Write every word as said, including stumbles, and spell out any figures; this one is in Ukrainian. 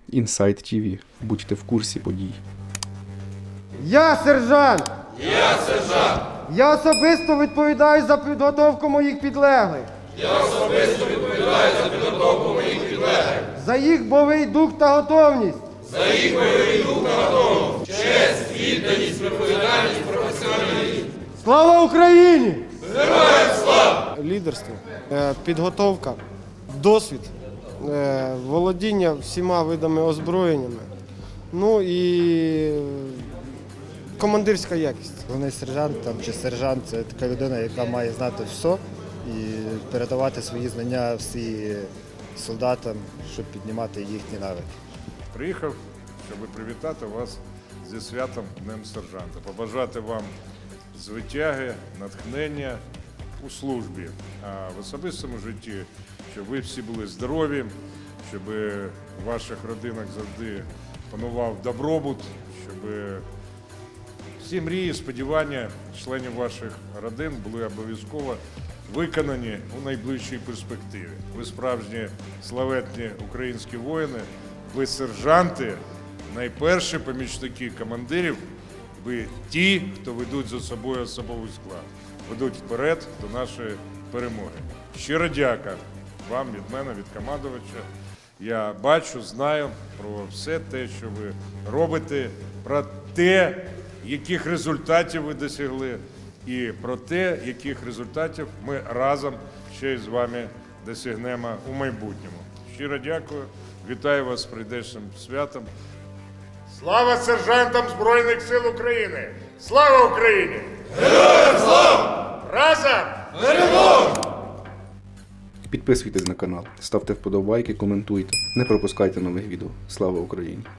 Інсайт ті ві. Будьте в курсі подій. Я сержант! Я сержант! Я особисто відповідаю за підготовку моїх підлеглих. Я особисто відповідаю за підготовку моїх підлеглих, За їх бойовий дух та готовність. за їх бойовий дух та готовність, честь, відданість, відповідальність, професіоналізм. Слава Україні! Героям слава! Лідерство, е, підготовка, досвід, е, володіння всіма видами озброєннями, ну і командирська якість. Головний сержант там, чи сержант це така людина, яка має знати все і передавати свої знання всі солдатам, щоб піднімати їхні навики. Приїхав, щоб привітати вас зі святом Днем Сержанта, побажати вам звитяги, натхнення у службі, а в особистому житті, щоб ви всі були здорові, щоб у ваших родинах завжди панував добробут, щоб всі мрії, сподівання членів ваших родин були обов'язково виконані у найближчій перспективі. Ви справжні славетні українські воїни, ви сержанти, найперші помічники командирів, ви ті, хто ведуть за собою особовий склад, ведуть вперед до нашої перемоги. Щиро дяка вам від мене, від командувача. Я бачу, знаю про все те, що ви робите, про те, яких результатів ви досягли, і про те, яких результатів ми разом ще й з вами досягнемо у майбутньому. Щиро дякую, вітаю вас з прийдешнім святом. Слава сержантам Збройних сил України! Слава Україні! Героям слава! Разом! Перемога! Підписуйтесь на канал, ставте вподобайки, коментуйте. Не пропускайте нових відео. Слава Україні!